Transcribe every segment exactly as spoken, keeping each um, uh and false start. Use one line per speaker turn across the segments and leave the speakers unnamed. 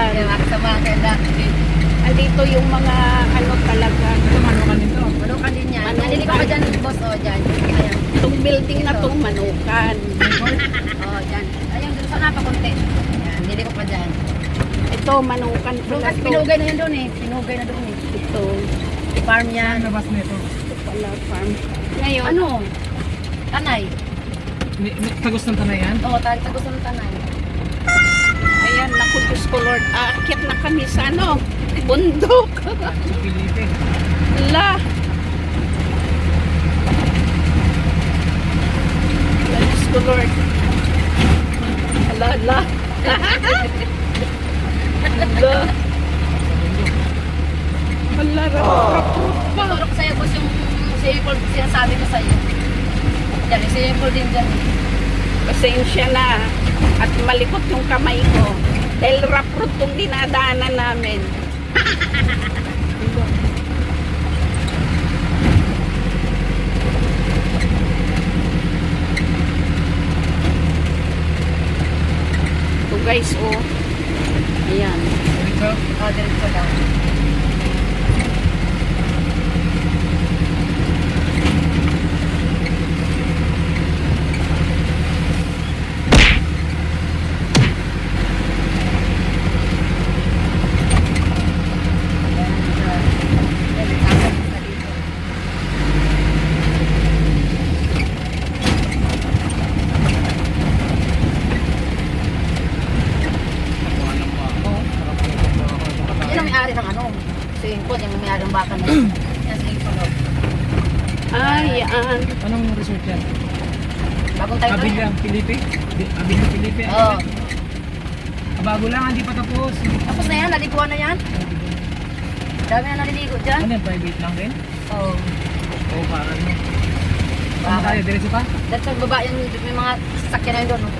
Ayan.
Sa mga dati.
Andito yung mga ano talaga.
Manukan nito.
Manukan din yan.
Manukan.
Nandili ko pa dyan, boss. O, dyan. Ayan.
Itong building na tong manukan.
O, dyan. Ayan, dun sa napakunti. Ayan, nandili ko pa dyan.
Ito, manukan
Doon
pala
kasi
to.
pinugay na yun doon eh. Pinugay na doon eh.
Ito,
Farm yan.
Ano labas nito?
ito pala farm. Ngayon,
Ano? Tanay.
Ni- ni- Tagos ng tanay yan?
Oo, tayo sa gusto ng tanay.
ayan, naku Diyos ko Lord, aakyat na kami sa ano, bundok.
Sa Pilipe.
La. Diyos ko Lord. Ala, ala. Ala. Ala, rapot pa.
Tutulog ko sa'yo, boss, yung sample sinasabi ko sa'yo. Yan, yung sample din dyan.
Pasensya na. At malikot yung kamay ko. Dahil raprot yung dinadaanan namin. Ito guys, oh. Ayan.
Dito.
O, diretso lang. Yan ang may-ari ng ano. Swimming pool, yan ang may-ari ng baka na yun. Yan, swimming pool. oh.
Ayan.
Anong resort yan?
Bagong tayo
Abila, Pilipe? Di- Abila, Pilipe?
Oo.
Ah, bago lang, hindi pa tapos.
Tapos na yan, naliguan na yan. Dami na naliligo dyan.
Ano yan, private lang rin?
Oo.
Oo, parang ano. Ano
Baka.
tayo, diretso pa?
Dahil sa baba yan, may mga sasakyan na yun doon. oh.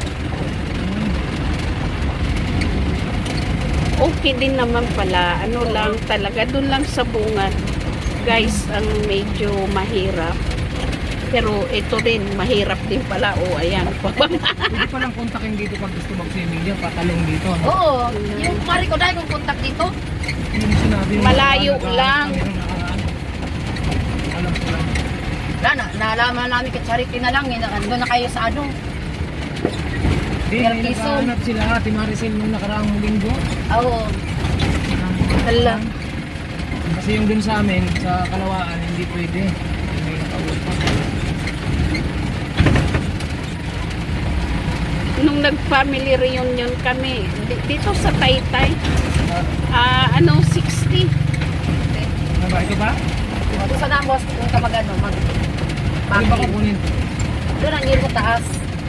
Okay din naman pala. Ano lang talaga, dun lang sa bunga. Guys, ang medyo mahirap. Pero ito rin, mahirap din pala. O, ayan.
Pwede pa lang kontakin dito pag gusto mag-swimming dyan, patalong dito. No?
Oo. Yung mari ko dahil kung contact dito.
Yung sinabi mo,
Malayo
naka-
lang.
mayroong nakaraan. Alam ko lang.
Wala na, naalaman namin kay Charity na lang. Eh, nandun na kayo sa ano.
Di,
Pero
may
piso.
naghahanap sila, Ate Maricel, nung nakaraang linggo.
Oo.
Hala.
Kasi yung dun sa amin, sa Kalawaan, hindi pwede. May nakawal pa.
Nung nag-family reunion kami, di- dito sa Taytay, ah, ano, sixty.
Ano ba, ito ba?
Kung saan ang boss, kung ka mag ano, mag...
Ano ba kukunin?
Doon ang giro sa taas.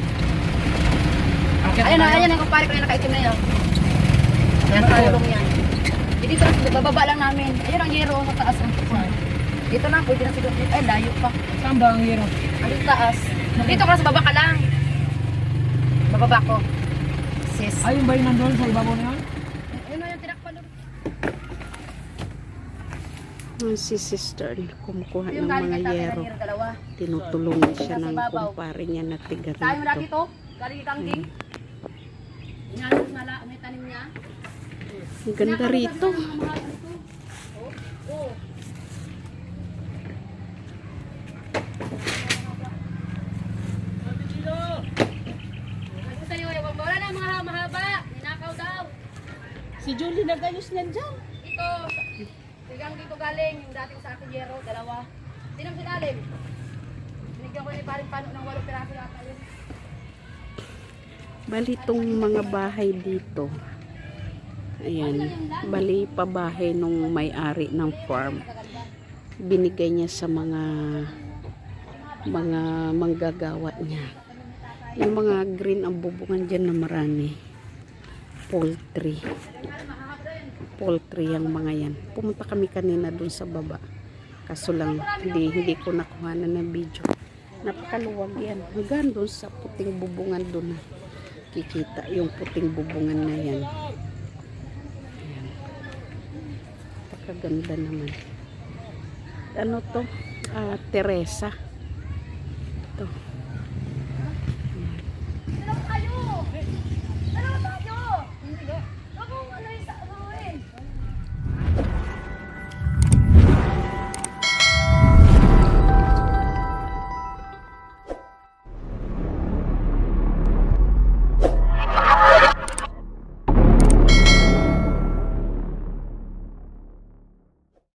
Akit
Ayan na,
tayo.
ayan na, kumpare ko na nakaitim na yun. Yan,
Ano tayo?
tulong yan. Eh, dito na, bababa lang namin. Ayun ang giro sa taas. Dito na, pwede na siguro. Ay, layo pa.
Saan ba ang hero?
Ano yung taas? Dito ka na sa baba ka lang. Bababa ko. Sis.
Ay, yung ba yung nandun sa ibabaw na yan?
Ayun na yung tinakpan doon.
Ah, si sister, kumukuha
Yung
ng
galing
mga
kay tatay
yero.
na giro, dalawa.
Tinutulungan siya
Nasa
ng
ibabaw.
kumpare niya na tiga
Tayo mo dati
rito.
to. Galing kay Kangking. Inanong na la, may tanim niya.
Ang ganda rito.
Oo. Sabi sa'yo, wala na mga mahaba. Ninakaw daw.
Si Julie nagayos niyan dyan.
Ito, sigang dito galing, yung dating sa akin yero, dalawa. Sinang sinalim? Binigyan ko ni paring pano ng walong piraso yata yun.
Bali itong mga bahay dito. Ayan. Bali pabahay nung may-ari ng farm. Binigay niya sa mga mga manggagawa niya. Yung mga green ang bubungan dyan na marami. Poultry. Poultry ang mga yan. Pumunta kami kanina dun sa baba. Kaso lang, hindi, hindi ko nakuha na ng video. Napakaluwag yan. Hanggang dun sa puting bubungan dun. Kikita yung puting bubungan na yan. Ayan. Napakaganda naman. Ano to? Ah, Teresa. Ito.